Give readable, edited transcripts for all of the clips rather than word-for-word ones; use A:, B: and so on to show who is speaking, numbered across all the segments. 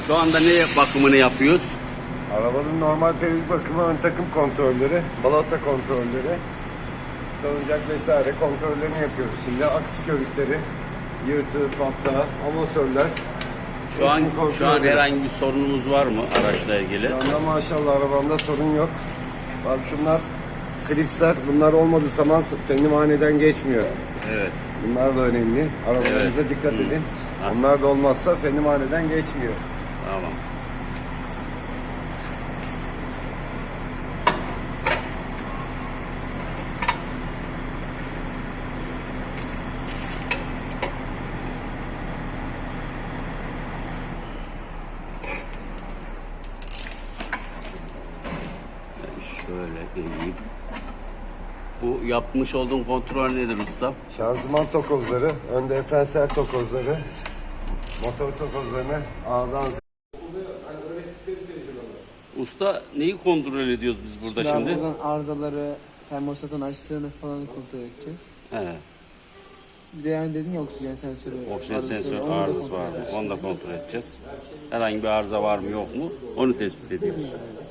A: Şu anda ne bakımını yapıyoruz?
B: Arabanın normal periyodik bakımı, ön takım kontrolleri, balata kontrolleri, salıncak vesaire kontrollerini yapıyoruz. Şimdi aks körükleri, yırtı, patla, amasörler.
A: Şu an herhangi bir sorunumuz var mı araçla ilgili?
B: Şu anda maşallah arabamda sorun yok. Bak şunlar klipsler, bunlar olmadığı zaman fendimaneden geçmiyor.
A: Evet.
B: Bunlar da önemli. Arabalarınıza dikkat edin. Onlar da olmazsa fendimaneden geçmiyor.
A: Tamam. Şöyle eğeyim. Bu yapmış olduğun kontrol nedir usta?
B: Şanzıman tokozları, ön diferansiyel tokozları, motor tokozlarını ağızdan
A: Usta neyi kontrol ediyoruz biz burada şimdi?
C: Buradan arızaları, termostatın açtığını falan kontrol edeceğiz.
A: He.
C: Bir de yani dedin ya oksijen sensörü.
A: Oksijen
C: arızası
A: sensörü
C: var, onu da
A: arızası
C: kontrol
A: var mı?
C: edeceğiz.
A: Onu da kontrol edeceğiz. Herhangi bir arıza var mı yok mu? Onu tespit ediyoruz.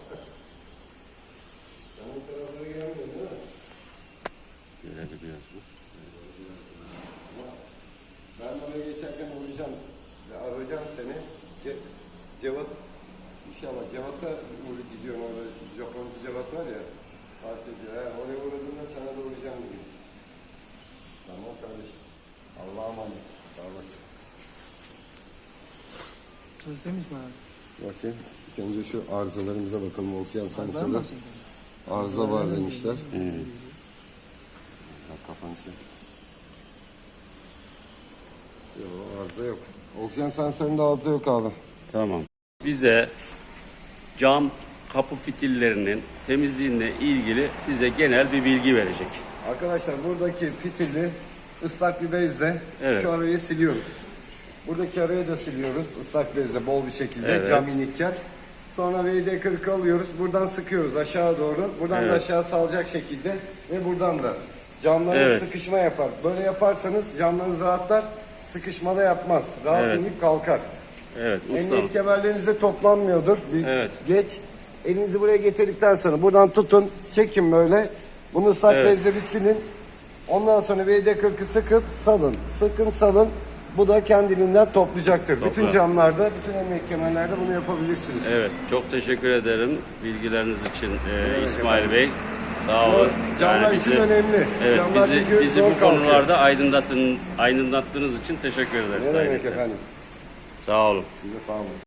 A: Görebiliyoruz mu?
B: Ben buraya geçerken uğrayacağım. Arayacağım seni. Cevat, inşallah Cevat'a gidiyorum orada. Japoncu Cevat var ya. Parçacı. Oraya uğradığında sana da uğrayacağım gibi. Tamam kardeşim. Allah'a emanet. Sağ olasın.
C: Çalıştırmış mı abi?
B: Bakayım. İlk önce şu arızalarımıza bakalım. Oksijen
C: Arızalar
B: sensörü.
C: mı?
B: Arıza var demişler. Ya kafanı sil. Yok arıza yok. Oksijen sensöründe arıza yok abi.
A: Tamam. Bize cam kapı fitillerinin temizliğine ilgili bize genel bir bilgi verecek.
B: Arkadaşlar buradaki fitili ıslak bir bezle
A: Evet.
B: şu arayı siliyoruz. Buradaki arayı da siliyoruz ıslak bezle bol bir şekilde
A: Evet.
B: cam inikken. Sonra VD40 alıyoruz. Buradan sıkıyoruz aşağı doğru. Buradan da
A: Evet.
B: aşağı salacak şekilde ve buradan da camlarınız
A: Evet.
B: sıkışma yapar. Böyle yaparsanız camlarınız rahatlar. Sıkışmada yapmaz. Rahat
A: Evet.
B: inip kalkar.
A: Evet usta.
B: Emniyet kemerlerinizde toplanmıyordur. Bir
A: Evet.
B: geç. Elinizi buraya getirdikten sonra buradan tutun. Çekin böyle. Bunu ıslak
A: Evet.
B: bezle bir silin. Ondan sonra VD40'ı sıkıp salın. Sıkın salın. Bu da kendiliğinden toplayacaktır.
A: Toplar.
B: Bütün camlarda, bütün emniyet kemerlerde bunu yapabilirsiniz.
A: Evet, çok teşekkür ederim bilgileriniz için İsmail Bey. Sağ olun.
B: Camlar için önemli.
A: Evet,
B: Camlar çünkü
A: bizi
B: zor
A: bu
B: kalkıyor.
A: konularda aydınlattığınız için teşekkür ederiz.
B: Ne
A: Sayın
B: demek
A: Muhtar.
B: efendim?
A: Sağ olun.
B: Size sağ olun.